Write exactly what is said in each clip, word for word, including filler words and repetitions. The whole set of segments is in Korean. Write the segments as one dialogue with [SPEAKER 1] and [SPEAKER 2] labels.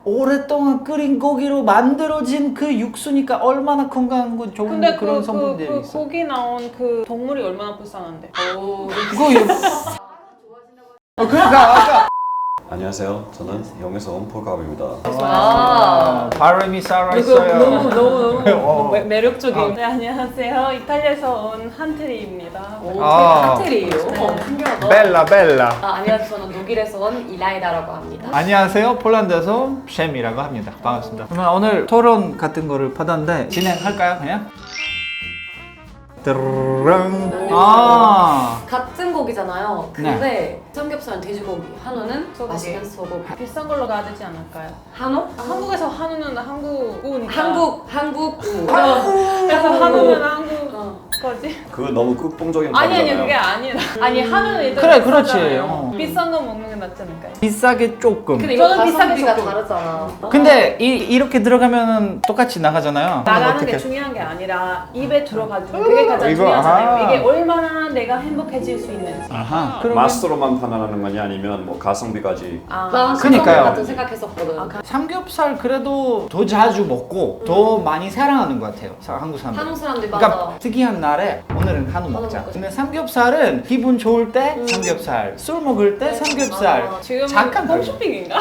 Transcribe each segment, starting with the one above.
[SPEAKER 1] 오랫동안 끓인 고기로 만들어진 그 육수니까 얼마나 건강한 건 좋은
[SPEAKER 2] 근데
[SPEAKER 1] 그런
[SPEAKER 2] 그,
[SPEAKER 1] 성분들이
[SPEAKER 2] 그, 그
[SPEAKER 1] 있어.
[SPEAKER 2] 고기 나온 그 동물이 얼마나 불쌍한데. 오.
[SPEAKER 1] 그거 육... 어, 그러니까 아까
[SPEAKER 3] 안녕하세요. 저는 영에서 온 폴갑입니다.
[SPEAKER 1] 아, 발음이 살아있어요.
[SPEAKER 2] 그거 너무 너무 너무
[SPEAKER 1] 어.
[SPEAKER 2] 매- 매력적인.
[SPEAKER 1] 아.
[SPEAKER 2] 네, 안녕하세요. 이탈리아에서 온 한트리입니다.
[SPEAKER 4] 오,
[SPEAKER 1] 아.
[SPEAKER 4] 칵테일이에요. 어, 신기하다.
[SPEAKER 1] 벨라 벨라.
[SPEAKER 4] 아, 안녕하세요. 저는 독일에서 온 이라이다라고 합니다.
[SPEAKER 1] 안녕하세요. 폴란드에서 쉔이라고 합니다. 반갑습니다. 그러면 오늘 토론 같은 거를 받았는데 진행할까요? 그냥? 드르릉. 아.
[SPEAKER 4] 같은 고기잖아요. 근데 삼겹살은 돼지고기, 한우는
[SPEAKER 2] 소고기.
[SPEAKER 4] 맛있는 소고기.
[SPEAKER 2] 비싼 걸로 가야 되지 않을까요?
[SPEAKER 4] 한우?
[SPEAKER 2] 한국에서 한우는 한국 우니까.
[SPEAKER 4] 한국, 한국 우.
[SPEAKER 2] 그래서 한우는 한국
[SPEAKER 4] 어.
[SPEAKER 2] 거지.
[SPEAKER 3] 그거 너무 끝봉적인
[SPEAKER 2] 아니 아니
[SPEAKER 3] 답이잖아요.
[SPEAKER 2] 그게 아니라. 아니 한우는 일단
[SPEAKER 1] 그래, 그렇지.
[SPEAKER 2] 비싸잖아요.
[SPEAKER 1] 어.
[SPEAKER 2] 비싼 거 먹는 게 낫지 않을까요?
[SPEAKER 1] 비싸게 조금.
[SPEAKER 4] 근데 이거
[SPEAKER 2] 저는 비싸게
[SPEAKER 4] 가성비가
[SPEAKER 2] 조금.
[SPEAKER 4] 다르잖아.
[SPEAKER 1] 근데 이, 이렇게 들어가면은 똑같이 나가잖아요.
[SPEAKER 2] 나가는
[SPEAKER 1] 어떻게-
[SPEAKER 2] 게 중요한 게 아니라 입에 들어가지고 그게 가장
[SPEAKER 1] 이거,
[SPEAKER 2] 중요하잖아요.
[SPEAKER 1] 아하.
[SPEAKER 2] 이게 얼마나 내가 행복해질 수 있는지.
[SPEAKER 1] 아하. 그러면
[SPEAKER 3] 마스터로만 판단하는 거냐 아니면 뭐 가성비까지.
[SPEAKER 2] 아,
[SPEAKER 4] 난
[SPEAKER 1] 그니까요.
[SPEAKER 4] 가성비 같은 생각했었거든.
[SPEAKER 2] 아, 가-
[SPEAKER 1] 삼겹살 그래도 더 자주 먹고 더 많이 사랑하는 것 같아요. 사- 한국 사람들.
[SPEAKER 4] 한국 사람들이 맞아.
[SPEAKER 1] 그러니까 특이한 날에 오늘은 한우
[SPEAKER 4] 한우
[SPEAKER 1] 먹자.
[SPEAKER 4] 먹고
[SPEAKER 1] 근데 삼겹살은 기분 좋을 때 삼겹살, 술 먹을 때 삼겹살.
[SPEAKER 4] 아,
[SPEAKER 2] 지금
[SPEAKER 1] 잠깐 달라.
[SPEAKER 2] 홈쇼핑인가?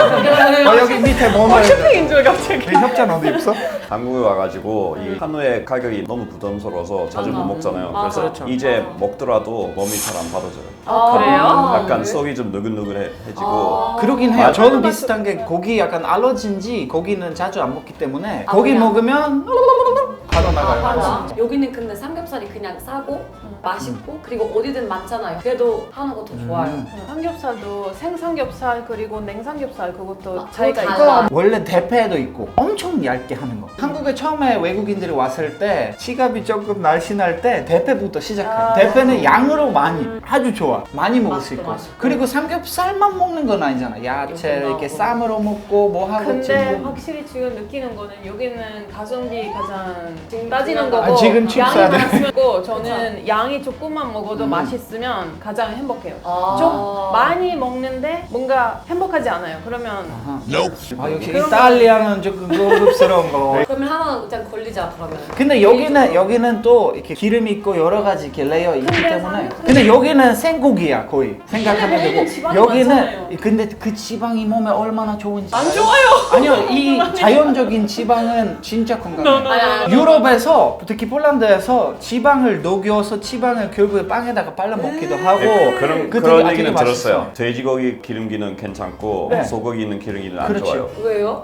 [SPEAKER 1] 어, 여기 밑에 뭐 말해?
[SPEAKER 2] 홈쇼핑인 줄 갑자기.
[SPEAKER 1] 협찬 어디 있어?
[SPEAKER 3] 한국에 와가지고 이 한우의 가격이 너무 부담스러워서 자주
[SPEAKER 4] 맞아.
[SPEAKER 3] 못 먹잖아요.
[SPEAKER 4] 맞아.
[SPEAKER 3] 그래서
[SPEAKER 1] 그렇죠.
[SPEAKER 3] 이제 먹더라도 몸이 잘 안 받아져요.
[SPEAKER 4] 아,
[SPEAKER 2] 그래요?
[SPEAKER 3] 약간
[SPEAKER 4] 왜?
[SPEAKER 3] 속이 좀 느글느글해지고
[SPEAKER 4] 아.
[SPEAKER 1] 그러긴 해요.
[SPEAKER 3] 맞아.
[SPEAKER 1] 저는 비슷한 게 고기 약간 알러지인지 고기는 자주 안 먹기 때문에
[SPEAKER 4] 아,
[SPEAKER 1] 고기
[SPEAKER 4] 그냥?
[SPEAKER 1] 먹으면 바로
[SPEAKER 4] 아,
[SPEAKER 1] 나가요.
[SPEAKER 4] 맞아. 여기는 근데 삼겹살이 그냥 싸고 맛있고 그리고 어디든 많잖아요. 그래도 한우가 더 좋아요.
[SPEAKER 1] 음.
[SPEAKER 2] 삼겹살도 생삼겹살 그리고 냉삼겹살 그것도
[SPEAKER 4] 아,
[SPEAKER 2] 차이가
[SPEAKER 4] 그거
[SPEAKER 2] 있고.
[SPEAKER 4] 달라.
[SPEAKER 1] 원래 대패도 있고 엄청 얇게 하는 거. 한국에 처음에 외국인들이 왔을 때 지갑이 조금 날씬할 때 대패부터 시작해요.
[SPEAKER 2] 아.
[SPEAKER 1] 대패는 양으로 많이 아주 좋아. 많이 먹을 수
[SPEAKER 4] 맛있고,
[SPEAKER 1] 있고.
[SPEAKER 4] 맛있고.
[SPEAKER 1] 그리고 삼겹살만 먹는 건 아니잖아. 야채
[SPEAKER 4] 이렇게
[SPEAKER 1] 이렇게
[SPEAKER 4] 나오고.
[SPEAKER 1] 쌈으로 먹고 뭐 하고
[SPEAKER 2] 근데
[SPEAKER 1] 지금.
[SPEAKER 2] 확실히 지금 느끼는 거는 여기는 가성비 가장 따지는 거고
[SPEAKER 1] 아, 지금 칩
[SPEAKER 2] 양이
[SPEAKER 1] 사야 돼.
[SPEAKER 2] 많으면 저는 양이 조금만 먹어도 맛있으면 가장 행복해요.
[SPEAKER 4] 아.
[SPEAKER 2] 좀 많이 먹는데 뭔가 행복하지 않아요. 그러면
[SPEAKER 1] 아하. 아, 역시
[SPEAKER 2] 그런
[SPEAKER 1] 이탈리아는 조금 고급스러운 거.
[SPEAKER 4] 그러면 하나 그냥 걸리자 그러면.
[SPEAKER 1] 근데 여기는 여기는 또 이렇게 기름이 있고 여러 가지 이렇게 레이어 있기
[SPEAKER 2] 근데
[SPEAKER 1] 때문에.
[SPEAKER 2] 삼겹살-
[SPEAKER 1] 근데 여기는 생고기야 거의 생각하면
[SPEAKER 2] 근데
[SPEAKER 1] 되고
[SPEAKER 2] 여기는 지방이
[SPEAKER 1] 여기는
[SPEAKER 2] 많잖아요.
[SPEAKER 1] 근데 그 지방이 몸에 얼마나 좋은지
[SPEAKER 2] 안
[SPEAKER 1] 알아요?
[SPEAKER 2] 좋아요.
[SPEAKER 1] 아니요 이 자연적인 지방은 진짜 건강해요.
[SPEAKER 4] 아니, 아니,
[SPEAKER 1] 유럽에서 특히 폴란드에서 지방을 녹여서 지방을 결국에 빵에다가 발라 먹기도 하고
[SPEAKER 3] 네, 그런
[SPEAKER 1] 그
[SPEAKER 3] 그런
[SPEAKER 1] 되게
[SPEAKER 3] 얘기는
[SPEAKER 1] 맛있어.
[SPEAKER 3] 들었어요. 돼지고기 기름기는 괜찮고
[SPEAKER 1] 네.
[SPEAKER 3] 소고기는 기름기는 안
[SPEAKER 1] 그렇죠.
[SPEAKER 3] 좋아요.
[SPEAKER 4] 왜요?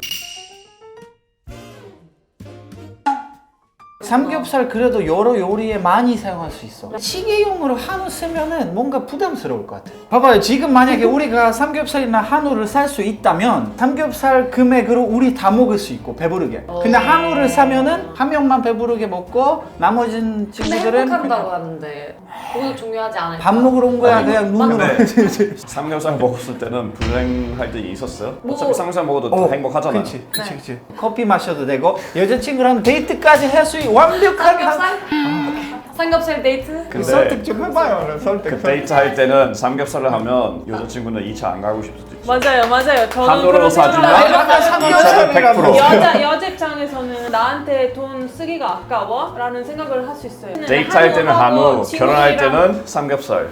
[SPEAKER 1] 삼겹살 그래도 여러 요리에 많이 사용할 수 있어. 찌개용으로 한우 쓰면은 뭔가 부담스러울 것 같아. 봐봐요. 지금 만약에 우리가 삼겹살이나 한우를 살 수 있다면 삼겹살 금액으로 우리 다 먹을 수 있고 배부르게. 근데 한우를 사면은 한 명만 배부르게 먹고 나머진
[SPEAKER 4] 근데
[SPEAKER 1] 친구들은
[SPEAKER 4] 행복한다고
[SPEAKER 1] 그냥
[SPEAKER 4] 하는데 그것도 중요하지 않을까?
[SPEAKER 1] 밥 먹으러 온 거야. 그냥 눈으로.
[SPEAKER 3] 근데 삼겹살 먹었을 때는 불행할 때 있었어요?
[SPEAKER 4] 뭐-
[SPEAKER 3] 어차피 삼겹살 먹어도
[SPEAKER 1] 어,
[SPEAKER 3] 행복하잖아요.
[SPEAKER 1] 그치, 그치, 그치. 커피 마셔도 되고 여자친구랑 데이트까지 할 수 있는 완벽한
[SPEAKER 4] 삼겹살? 삼겹살 데이트?
[SPEAKER 3] 근데
[SPEAKER 1] 설득 좀 해봐요. 설득.
[SPEAKER 3] 그 데이트 할 때는 삼겹살을 하면 여자친구는 이 차 안 가고 싶을 수도 있죠.
[SPEAKER 2] 맞아요, 맞아요. 저는
[SPEAKER 3] 한우로
[SPEAKER 2] 그런
[SPEAKER 3] 사주면
[SPEAKER 2] 생각을
[SPEAKER 1] 내가
[SPEAKER 2] 해요.
[SPEAKER 1] 삼겹살이라고.
[SPEAKER 3] 백 퍼센트.
[SPEAKER 2] 여자 여자 입장에서는 나한테 돈 쓰기가 아까워라는 생각을 할 수 있어요.
[SPEAKER 3] 데이트 할 때는 한우,
[SPEAKER 2] 친구들이랑-
[SPEAKER 3] 결혼할 때는 삼겹살.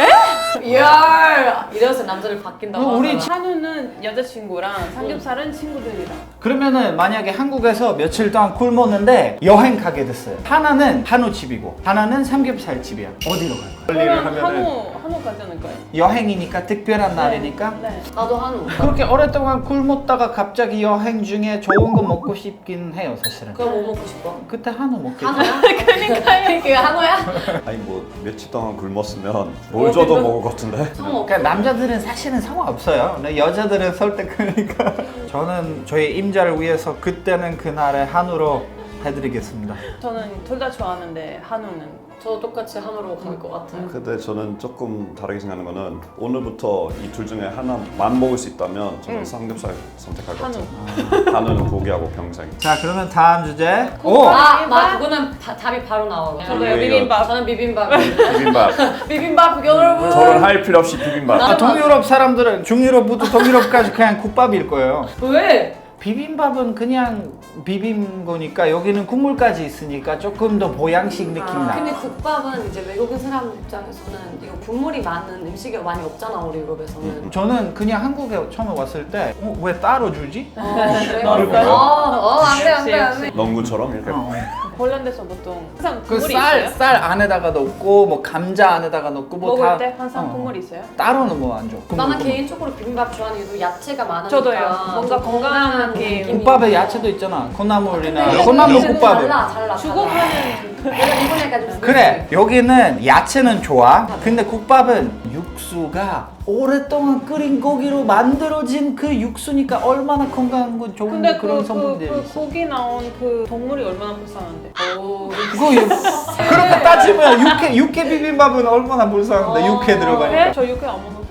[SPEAKER 4] 이야 이래서 남자를 바뀐다고
[SPEAKER 1] 어, 우리
[SPEAKER 4] 하잖아.
[SPEAKER 2] 한우는 여자친구랑 삼겹살은 친구들이랑.
[SPEAKER 1] 그러면은 만약에 한국에서 며칠 동안 굶었는데 여행 가게 됐어요. 하나는 한우집이고 하나는 삼겹살집이야. 어디로 갈 거야?
[SPEAKER 2] 그러면 한우 한우 가지 않을까요?
[SPEAKER 1] 여행이니까 특별한 날이니까
[SPEAKER 2] 네.
[SPEAKER 4] 나도 한우.
[SPEAKER 1] 그렇게 오랫동안 굶었다가 갑자기 여행 중에 좋은 거 먹고 싶긴 해요 사실은.
[SPEAKER 4] 그럼 뭐 먹고 싶어?
[SPEAKER 1] 그때 한우 먹겠지.
[SPEAKER 4] 한우야? 그러니까 그게 한우야?
[SPEAKER 3] 아니 뭐 며칠 동안 굶었으면 뭘 줘도 먹을 것 같은데.
[SPEAKER 4] 성어.
[SPEAKER 1] 그러니까 남자들은 사실은 상관없어요. 근데 여자들은 설득하니까 저는 저희 임자를 위해서 그때는 그날에 한우로 해드리겠습니다.
[SPEAKER 2] 저는 둘 다 좋아하는데 한우는
[SPEAKER 4] 저도 똑같이 한우로 갈 것 같아요.
[SPEAKER 3] 근데 저는 조금 다르게 생각하는 거는 오늘부터 이 둘 중에 하나만 먹을 수 있다면 저는
[SPEAKER 2] 응.
[SPEAKER 3] 삼겹살 선택할 것
[SPEAKER 2] 한우.
[SPEAKER 3] 같아요. 한우는 포기하고 평생.
[SPEAKER 1] 자 그러면 다음 주제. 오!
[SPEAKER 4] 아, 마 그거는 바- 답이 바로 나와요.
[SPEAKER 2] 저도요,
[SPEAKER 3] 이거-
[SPEAKER 2] 비빔밥.
[SPEAKER 4] 저는 비빔밥.
[SPEAKER 3] 비빔밥.
[SPEAKER 4] 비빔밥 여러분.
[SPEAKER 3] 결혼할 필요 없이 비빔밥.
[SPEAKER 1] 아, 동유럽 사람들은 중유럽부터 동유럽까지 그냥 국밥일 거예요.
[SPEAKER 4] 왜?
[SPEAKER 1] 비빔밥은 그냥 비빔 거니까 여기는 국물까지 있으니까 조금 더 보양식 느낌
[SPEAKER 2] 아,
[SPEAKER 1] 나.
[SPEAKER 4] 근데 국밥은 이제 외국인 사람 입장에서는 이거 국물이 많은 음식이 많이 없잖아 우리 유럽에서는.
[SPEAKER 1] 저는 그냥 한국에 처음에 왔을 때 어, 왜 따로 주지?
[SPEAKER 4] 어, 그래?
[SPEAKER 2] 넣었어요?
[SPEAKER 4] 어, 안돼 안돼
[SPEAKER 2] 역시,
[SPEAKER 4] 안돼.
[SPEAKER 3] 농구처럼 이렇게
[SPEAKER 1] 어.
[SPEAKER 2] 폴란드에서 보통 항상
[SPEAKER 1] 그
[SPEAKER 2] 국물이
[SPEAKER 1] 쌀
[SPEAKER 2] 있어요?
[SPEAKER 1] 쌀 안에다가 넣고 뭐 감자 안에다가 넣고 뭐
[SPEAKER 2] 먹을
[SPEAKER 1] 다
[SPEAKER 2] 때 항상
[SPEAKER 1] 어.
[SPEAKER 2] 국물이 있어요?
[SPEAKER 1] 따로는 뭐 안 줘.
[SPEAKER 4] 나는 개인적으로 비빔밥 좋아하는 이유도 야채가 많으니까.
[SPEAKER 2] 저도요. 뭔가
[SPEAKER 4] 좀
[SPEAKER 2] 건강한 느낌.
[SPEAKER 4] 느낌이.
[SPEAKER 1] 국밥에 야채도 있잖아. 콩나물이나
[SPEAKER 4] 근데
[SPEAKER 1] 콩나물
[SPEAKER 4] 여기는
[SPEAKER 1] 국밥은.
[SPEAKER 4] 달라 달라.
[SPEAKER 2] 주고파는
[SPEAKER 4] 내가 이번에 가지고
[SPEAKER 1] 그래 여기는 야채는 좋아. 근데 국밥은 육수가 오랫동안 끓인 고기로 만들어진 그 육수니까 얼마나 건강한 건 좋은
[SPEAKER 2] 근데 그,
[SPEAKER 1] 그런
[SPEAKER 2] 그,
[SPEAKER 1] 성분들이
[SPEAKER 2] 그
[SPEAKER 1] 있어.
[SPEAKER 2] 고기 나온 그 동물이 얼마나 불쌍한데.
[SPEAKER 4] 오,
[SPEAKER 1] 그거 육- 그렇게 따지면 육회 육회 비빔밥은 얼마나 불쌍한데
[SPEAKER 4] 어,
[SPEAKER 1] 육회 들어가니까.
[SPEAKER 2] 회? 저 육회 안 먹어서.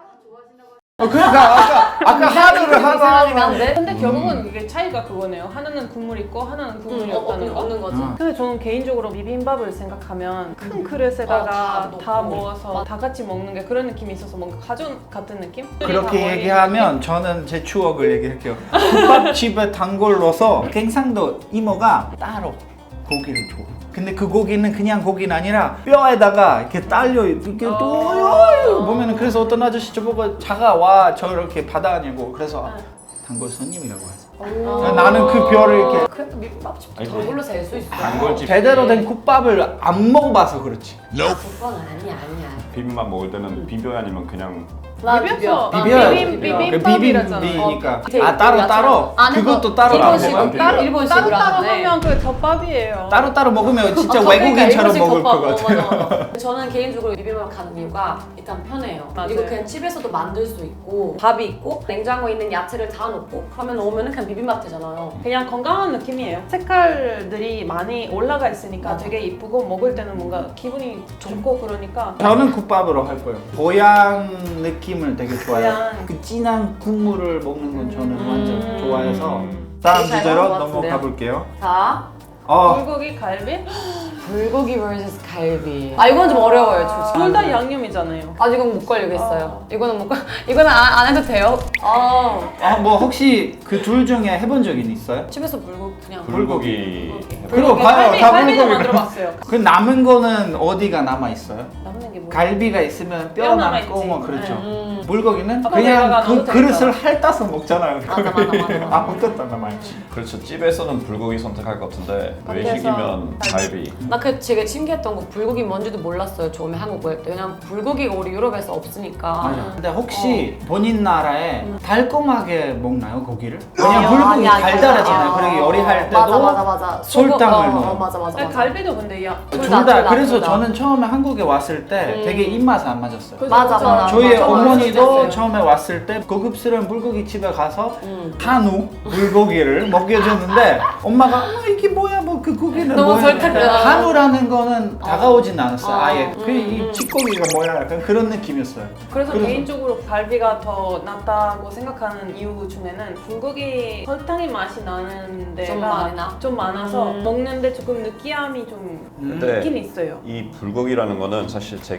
[SPEAKER 1] 어, 그러니까 아까 아까 한우를
[SPEAKER 4] 이상하긴
[SPEAKER 1] 하나.
[SPEAKER 4] 한데?
[SPEAKER 2] 근데 결국은 이게 차이가 그거네요. 하나는 국물 있고 하나는 국물이
[SPEAKER 4] 음,
[SPEAKER 2] 없다는 거.
[SPEAKER 4] 없는 거지.
[SPEAKER 1] 어.
[SPEAKER 2] 근데 저는 개인적으로 비빔밥을 생각하면 큰 그릇에다가
[SPEAKER 4] 어, 다
[SPEAKER 2] 다,
[SPEAKER 4] 넣고.
[SPEAKER 2] 모아서
[SPEAKER 4] 맞-
[SPEAKER 2] 다 같이 먹는 게 그런 느낌이 있어서 뭔가 가족 같은 느낌? 다
[SPEAKER 1] 그렇게
[SPEAKER 2] 모인
[SPEAKER 1] 얘기하면 저는 제 추억을 얘기할게요. 국밥집에 단골 넣어서 갱상도 이모가 따로 고기를 줘. 근데 그 고기는 그냥 고기는 아니라 뼈에다가 이렇게 딸려 이렇게 또
[SPEAKER 2] 어.
[SPEAKER 1] 보면은 그래서 어떤 아저씨 저보고 자가 와 저렇게 받아냐고 그래서 단골 손님이라고 하죠.
[SPEAKER 2] 오.
[SPEAKER 1] 나는 그 뼈를 이렇게
[SPEAKER 4] 그래도 비빔밥집
[SPEAKER 3] 아니,
[SPEAKER 4] 저걸로 셀 수 있어.
[SPEAKER 3] 단골집
[SPEAKER 1] 제대로 된 국밥을 안 먹어봐서 그렇지.
[SPEAKER 4] 그건 아니야 아니야.
[SPEAKER 3] 비빔밥 먹을 때는 비벼야 아니면 그냥
[SPEAKER 4] 나
[SPEAKER 1] 비벼.
[SPEAKER 4] 비벼.
[SPEAKER 2] 비빔-
[SPEAKER 1] 비벼.
[SPEAKER 2] 비빔밥이라잖아.
[SPEAKER 1] 비빔이니까.
[SPEAKER 4] 어,
[SPEAKER 1] 아 따로
[SPEAKER 4] 야채.
[SPEAKER 1] 따로.
[SPEAKER 4] 안에서
[SPEAKER 1] 그것도 따로 안
[SPEAKER 3] 일본식
[SPEAKER 1] 먹어요.
[SPEAKER 3] 비벼.
[SPEAKER 4] 따로 일본식으로
[SPEAKER 2] 따로따로
[SPEAKER 4] 하는데.
[SPEAKER 2] 하면 그 덮밥이에요.
[SPEAKER 1] 따로 따로 먹으면 진짜
[SPEAKER 4] 아, 저
[SPEAKER 1] 외국인처럼
[SPEAKER 4] 그러니까
[SPEAKER 1] 먹을
[SPEAKER 4] 일본식
[SPEAKER 1] 것
[SPEAKER 4] 덮밥.
[SPEAKER 1] 같아요.
[SPEAKER 4] 어, 맞아, 맞아. 저는 개인적으로 비빔밥 가는 이유가 일단 편해요.
[SPEAKER 2] 맞아요.
[SPEAKER 4] 그리고 그냥 집에서도 만들 수 있고 밥이 있고 냉장고에 있는 야채를 다 넣고 그러면 오면은 그냥 비빔밥 되잖아요.
[SPEAKER 2] 그냥 건강한 느낌이에요. 색깔들이 많이 올라가 있으니까
[SPEAKER 4] 맞아.
[SPEAKER 2] 되게 이쁘고 먹을 때는 뭔가 기분이 좋고 그러니까
[SPEAKER 1] 저는 국밥으로 할 거예요. 보양 느낌을 되게 좋아해요.
[SPEAKER 2] 보양.
[SPEAKER 1] 그 진한 국물을 먹는 건 저는
[SPEAKER 2] 음.
[SPEAKER 1] 완전 좋아해서 다음
[SPEAKER 4] 되게 잘
[SPEAKER 1] 주제로
[SPEAKER 4] 먹은 것
[SPEAKER 1] 넘어가
[SPEAKER 4] 같은데요?
[SPEAKER 1] 볼게요.
[SPEAKER 4] 자,
[SPEAKER 1] 어,
[SPEAKER 2] 불고기, 갈비?
[SPEAKER 4] 불고기 vs 갈비. 아 이건 좀 어려워요, 솔직히.
[SPEAKER 2] 둘 다 양념이잖아요.
[SPEAKER 4] 아 이건 못 걸리겠어요. 이거는 못 걸. 이거는 안, 안 해도 돼요. 아
[SPEAKER 1] 아, 뭐 혹시 그 둘 중에 해본 적이 있어요?
[SPEAKER 4] 집에서 불고기 그냥.
[SPEAKER 3] 불고기
[SPEAKER 1] 그리고 봐요,
[SPEAKER 2] 갈비,
[SPEAKER 1] 다
[SPEAKER 2] 갈비도
[SPEAKER 1] 불고기.
[SPEAKER 2] 만들어봤어요.
[SPEAKER 1] 그 남은 거는 어디가 남아 있어요?
[SPEAKER 2] 남는 게 뭐야?
[SPEAKER 1] 갈비가 있으면 뼈
[SPEAKER 2] 뼈
[SPEAKER 1] 남고
[SPEAKER 2] 남아있지.
[SPEAKER 1] 뭐 그렇죠.
[SPEAKER 4] 음.
[SPEAKER 1] 물고기는
[SPEAKER 2] 아까
[SPEAKER 1] 그냥
[SPEAKER 2] 내가
[SPEAKER 1] 그
[SPEAKER 2] 넣어도
[SPEAKER 1] 그릇을
[SPEAKER 2] 되니까.
[SPEAKER 1] 핥아서 먹잖아요.
[SPEAKER 4] 맞아, 맞아, 맞아, 맞아.
[SPEAKER 1] 아무것도 안 남아있지.
[SPEAKER 3] 그렇죠. 집에서는 불고기 선택할 것 같은데
[SPEAKER 2] 밖에서
[SPEAKER 3] 외식이면 갈비.
[SPEAKER 4] 나 그 되게 신기했던 거 불고기 뭔지도 몰랐어요. 처음에 한국 올 때. 왜냐면 불고기가 우리 유럽에서 없으니까.
[SPEAKER 1] 맞아. 근데 혹시 본인 나라에 달콤하게 먹나요 고기를?
[SPEAKER 4] 어. 아니요,
[SPEAKER 1] 왜냐면 불고기
[SPEAKER 4] 아니, 아니,
[SPEAKER 1] 달달하잖아요.
[SPEAKER 4] 아니.
[SPEAKER 1] 그리고 요리할 때도
[SPEAKER 4] 맞아 맞아 맞아.
[SPEAKER 1] 설탕을
[SPEAKER 4] 소금, 어,
[SPEAKER 1] 넣어요.
[SPEAKER 4] 어, 맞아 맞아.
[SPEAKER 2] 아니,
[SPEAKER 4] 맞아.
[SPEAKER 2] 갈비도 근데 야.
[SPEAKER 4] 둘
[SPEAKER 1] 둘
[SPEAKER 4] 다,
[SPEAKER 1] 다.
[SPEAKER 4] 둘 다,
[SPEAKER 1] 그래서
[SPEAKER 4] 둘 다.
[SPEAKER 1] 저는 처음에 한국에 왔을 때
[SPEAKER 4] 음.
[SPEAKER 1] 되게 입맛이 안 맞았어요.
[SPEAKER 2] 그래서
[SPEAKER 4] 맞아,
[SPEAKER 2] 진짜
[SPEAKER 4] 맞아.
[SPEAKER 1] 저희
[SPEAKER 4] 맞아,
[SPEAKER 1] 어머니도
[SPEAKER 4] 맞아.
[SPEAKER 1] 처음에 왔을 때 고급스러운 불고기 집에 가서
[SPEAKER 4] 음.
[SPEAKER 1] 한우 불고기를 먹여줬는데 엄마가 어, 이게 뭐야 뭐 그 고기는
[SPEAKER 4] 너무
[SPEAKER 1] 뭐야
[SPEAKER 4] 설탕이야.
[SPEAKER 1] 한우라는 거는 다가오진 않았어요.
[SPEAKER 4] 어.
[SPEAKER 1] 아예
[SPEAKER 4] 음,
[SPEAKER 1] 그이
[SPEAKER 4] 음.
[SPEAKER 1] 찌꺼기가 뭐야 약간 그런 느낌이었어요.
[SPEAKER 2] 그래서,
[SPEAKER 1] 그래서-
[SPEAKER 2] 개인적으로 갈비가 더 낫다고 생각하는 이유 중에는 불고기 설탕이 맛이 나는 데가
[SPEAKER 4] 좀 많이 나?
[SPEAKER 2] 좀 많아서
[SPEAKER 4] 음.
[SPEAKER 2] 먹는데 조금 느끼함이 좀
[SPEAKER 3] 근데
[SPEAKER 2] 있긴 있어요.
[SPEAKER 3] 이 불고기라는 거는 사실 제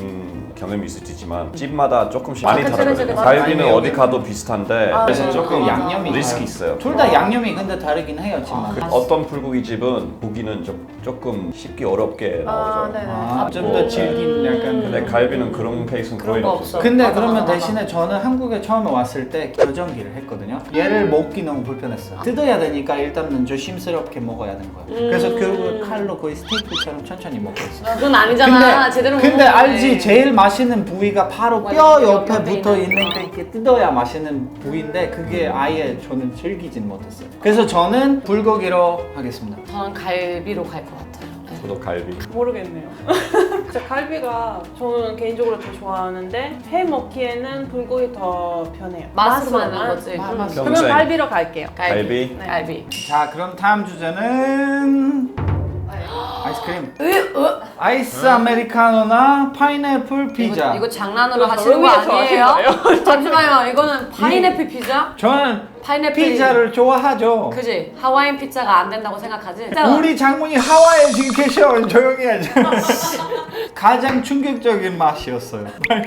[SPEAKER 3] 개인 경험이 있을 수 있지만 집마다 조금씩
[SPEAKER 4] 아,
[SPEAKER 3] 많이
[SPEAKER 4] 그치,
[SPEAKER 3] 다르거든요.
[SPEAKER 4] 그치, 그치.
[SPEAKER 3] 갈비는
[SPEAKER 1] 맞아요.
[SPEAKER 3] 어디 가도 비슷한데
[SPEAKER 2] 아,
[SPEAKER 3] 그래서
[SPEAKER 2] 네.
[SPEAKER 3] 조금
[SPEAKER 4] 맞아.
[SPEAKER 1] 양념이
[SPEAKER 3] 리스크 있어요.
[SPEAKER 1] 둘 다 양념이 근데 다르긴 해요, 지금.
[SPEAKER 4] 아.
[SPEAKER 3] 그 어떤 불고기 집은 고기는 좀, 조금 쉽게 어렵게
[SPEAKER 2] 아,
[SPEAKER 3] 나오죠.
[SPEAKER 2] 네네.
[SPEAKER 1] 아, 좀 더 질긴 약간.
[SPEAKER 3] 근데 갈비는 그런 케이스는
[SPEAKER 4] 그런
[SPEAKER 3] 거의
[SPEAKER 4] 거
[SPEAKER 3] 없었어요.
[SPEAKER 4] 없어.
[SPEAKER 1] 근데
[SPEAKER 4] 맞아,
[SPEAKER 1] 그러면
[SPEAKER 4] 맞아, 맞아.
[SPEAKER 1] 대신에 저는 한국에 처음에 왔을 때 교정기를 했거든요. 얘를 먹기 너무 불편했어요. 뜯어야 되니까 일단은 조심스럽게 먹어야 되는 거예요.
[SPEAKER 4] 음.
[SPEAKER 1] 그래서 결국 칼로 거의 스테이크처럼 천천히 먹고 있어요.
[SPEAKER 4] 그건 아니잖아. 제대로
[SPEAKER 1] 근데
[SPEAKER 4] 먹는
[SPEAKER 1] 알지
[SPEAKER 4] 건데.
[SPEAKER 1] 제일 맛있는 부위가 바로
[SPEAKER 4] 맞아,
[SPEAKER 1] 뼈
[SPEAKER 4] 뼈
[SPEAKER 1] 옆에
[SPEAKER 4] 옆에
[SPEAKER 1] 붙어
[SPEAKER 4] 있는
[SPEAKER 1] 있는
[SPEAKER 4] 거.
[SPEAKER 1] 게 이렇게 뜯어야 맛있는 부위인데 그게 아예 저는 즐기진 못했어요. 그래서 저는 불고기로 하겠습니다.
[SPEAKER 4] 저는 갈비로 갈 것 같아요. 네.
[SPEAKER 3] 저도 갈비.
[SPEAKER 2] 모르겠네요. 진짜 갈비가 저는 개인적으로 더 좋아하는데 해 먹기에는 불고기 더 편해요.
[SPEAKER 4] 맛으로
[SPEAKER 2] 맛은
[SPEAKER 4] 맞는 거지.
[SPEAKER 1] 맛,
[SPEAKER 4] 음.
[SPEAKER 1] 맛.
[SPEAKER 2] 그러면
[SPEAKER 3] 평생.
[SPEAKER 2] 갈비로 갈게요.
[SPEAKER 3] 갈비.
[SPEAKER 2] 네.
[SPEAKER 4] 갈비.
[SPEAKER 1] 자 그럼 다음 주제는 아이스크림. 아이스 아메리카노나 파인애플 피자.
[SPEAKER 4] 이거, 이거 장난으로
[SPEAKER 2] 이거
[SPEAKER 4] 하시는 거
[SPEAKER 2] 너무
[SPEAKER 4] 아니에요?
[SPEAKER 2] 좋아하시는
[SPEAKER 4] 잠시만요. 이거는 파인애플 피자?
[SPEAKER 1] 저는
[SPEAKER 4] 파인애플
[SPEAKER 1] 피자를 좋아하죠.
[SPEAKER 4] 그지? 하와이안 피자가 안 된다고 생각하지?
[SPEAKER 1] 우리 장모님 하와이에 지금 계셔. 조용히 하자. 가장 충격적인 맛이었어요.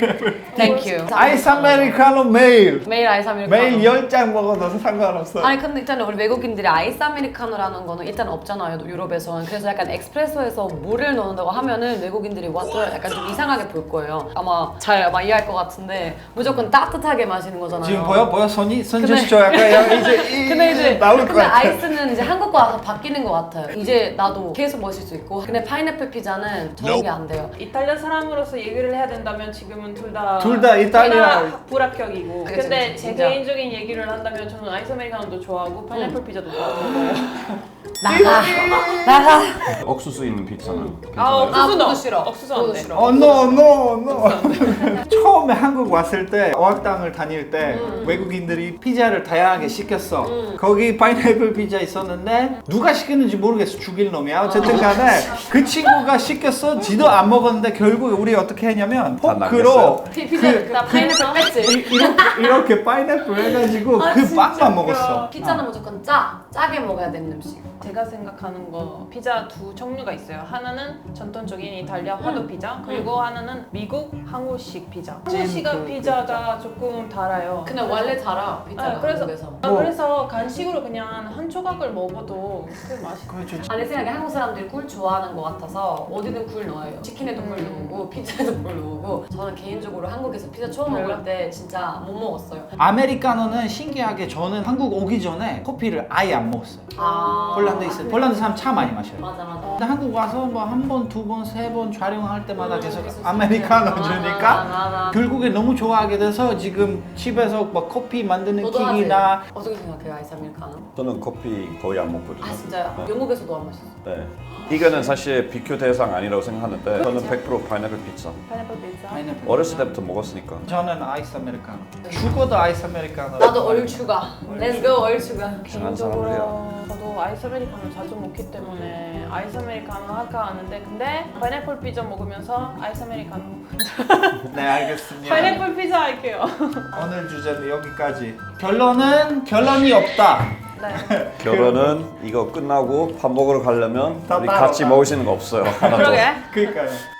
[SPEAKER 4] 땡큐.
[SPEAKER 1] 아이스 아메리카노 매일.
[SPEAKER 4] 매일 아이스 아메리카노.
[SPEAKER 1] 매일 열 잔 먹어도 상관없어요.
[SPEAKER 4] 아니 근데 일단 우리 외국인들이 아이스 아메리카노라는 거는 일단 없잖아요 유럽에서는. 그래서 약간 엑스프레소에서 물을 넣는다고 하면은 외국인들이 와서 약간 좀 이상하게 볼 거예요. 아마 잘 아마 이해할 것 같은데 무조건 따뜻하게 마시는 거잖아요.
[SPEAKER 1] 지금 보여? 보여? 손이? 손
[SPEAKER 4] 근데-
[SPEAKER 1] 제스처 약간 이제 이,
[SPEAKER 4] 근데 이제
[SPEAKER 1] 나올 것
[SPEAKER 4] 근데
[SPEAKER 1] 같아.
[SPEAKER 4] 아이스는 이제 한국과 와서 바뀌는 것 같아요. 이제 나도 계속 마실 수 있고. 근데 파인애플 피자는 저런 게 안 돼요.
[SPEAKER 2] 이탈리아 사람으로서 얘기를 해야 된다면 지금은 둘 다
[SPEAKER 1] 둘다 이탈리아.
[SPEAKER 2] 둘 다 불합격이고.
[SPEAKER 4] 그치,
[SPEAKER 2] 근데
[SPEAKER 4] 그치,
[SPEAKER 2] 제
[SPEAKER 4] 진짜.
[SPEAKER 2] 개인적인 얘기를 한다면 저는 아이스 아메리카노도 좋아하고 파인애플 피자도 좋아하는 거예요.
[SPEAKER 4] 나가 나가.
[SPEAKER 3] 옥수수 있는 피자는
[SPEAKER 2] 아,
[SPEAKER 3] 괜찮아요?
[SPEAKER 2] 옥수수
[SPEAKER 4] 그것도
[SPEAKER 2] 넣어.
[SPEAKER 4] 싫어.
[SPEAKER 2] 옥수수
[SPEAKER 4] 그것도
[SPEAKER 2] 안 돼.
[SPEAKER 4] 싫어.
[SPEAKER 1] 어, no, no, no. 처음에 한국 왔을 때 어학당을 다닐 때
[SPEAKER 4] 음.
[SPEAKER 1] 외국인들이 피자를 다양하게 시켰어.
[SPEAKER 4] 음.
[SPEAKER 1] 거기 파인애플 피자 있었는데 누가 시켰는지 모르겠어. 죽일 놈이야. 어쨌든 간에 그 친구가 시켰어. 지도 안 먹었는데 결국에 우리 어떻게 했냐면
[SPEAKER 3] 다
[SPEAKER 1] 포크로
[SPEAKER 3] 남겼어요?
[SPEAKER 4] 피- 피자 나 파인애플 뺐지.
[SPEAKER 1] 이렇게, 이렇게 파인애플 해가지고
[SPEAKER 4] 아,
[SPEAKER 1] 그
[SPEAKER 4] 진짜
[SPEAKER 1] 빵만 먹었어.
[SPEAKER 4] 피자는 무조건 짜 짜게 먹어야 되는 음식.
[SPEAKER 2] 제가 생각하는 거 피자 두 종류가 있어요. 하나는 전통적인 이탈리아 화도 피자, 그리고 하나는 미국 한국식 피자. 한국식
[SPEAKER 1] 그
[SPEAKER 2] 피자가 조금 달아요.
[SPEAKER 4] 근데 원래 달아 피자가
[SPEAKER 2] 아, 그래서
[SPEAKER 4] 한국에서.
[SPEAKER 2] 아,
[SPEAKER 1] 뭐.
[SPEAKER 2] 그래서 간식으로 그냥 한 조각을 먹어도 그 맛이.
[SPEAKER 1] 그렇죠.
[SPEAKER 4] 아, 내 생각에 한국 사람들이 꿀 좋아하는 것 같아서 어디든 꿀 넣어요. 치킨에도 꿀
[SPEAKER 2] 음.
[SPEAKER 4] 넣고 피자에도 꿀 넣고. 저는 개인적으로 한국에서 피자 처음
[SPEAKER 2] 별로?
[SPEAKER 4] 먹을 때 진짜 못 먹었어요.
[SPEAKER 1] 아메리카노는 신기하게 저는 한국 오기 전에 커피를 아예 안 먹었어요.
[SPEAKER 4] 아
[SPEAKER 1] 폴란드에 있어요. 폴란드 사람 차 많이 마셔요.
[SPEAKER 4] 맞아 맞아.
[SPEAKER 1] 근데 한국 와서 뭐 한 번, 두 번, 세 번 촬영할 때마다
[SPEAKER 4] 음,
[SPEAKER 1] 계속
[SPEAKER 4] 계속
[SPEAKER 1] 아메리카노
[SPEAKER 4] 맞아,
[SPEAKER 1] 주니까
[SPEAKER 4] 맞아, 맞아.
[SPEAKER 1] 결국에 너무 좋아하게 돼서 지금 집에서 막 커피 만드는
[SPEAKER 4] 너도
[SPEAKER 1] 기기나
[SPEAKER 4] 하지? 어떻게 생각해요 아이스 아메리카노?
[SPEAKER 3] 저는 커피 거의 안 먹거든요.
[SPEAKER 4] 아 진짜요?
[SPEAKER 3] 네.
[SPEAKER 4] 영국에서도 안 마셨어.
[SPEAKER 3] 네. 이거는 사실 비교 대상 아니라고 생각하는데 저는 백 퍼센트 파인애플 피자.
[SPEAKER 2] 파인애플 피자.
[SPEAKER 1] 파인애플.
[SPEAKER 3] 어렸을 때부터 먹었으니까.
[SPEAKER 1] 저는 아이스 아메리카노. 죽어도 아이스 아메리카노.
[SPEAKER 4] 나도 얼추가. Let's go 얼추가.
[SPEAKER 3] 이상한
[SPEAKER 2] 개인적으로
[SPEAKER 3] 사람들이야.
[SPEAKER 2] 저도 아이스 아메리카노 자주 먹기 때문에 아이스 아메리카노 할까 하는데 근데 파인애플 피자 먹으면서 아이스 아메리카노.
[SPEAKER 1] 네, 알겠습니다.
[SPEAKER 2] 파인애플 피자 할게요.
[SPEAKER 1] 오늘 주제는 여기까지. 결론은 결론이 없다.
[SPEAKER 2] 네.
[SPEAKER 3] 결혼은 이거 끝나고 밥 먹으러 가려면
[SPEAKER 1] 다
[SPEAKER 3] 우리
[SPEAKER 1] 따로
[SPEAKER 3] 같이
[SPEAKER 1] 따로.
[SPEAKER 3] 먹을 수 있는 거 없어요. 하나도.
[SPEAKER 2] 그러게.
[SPEAKER 1] 그러니까요.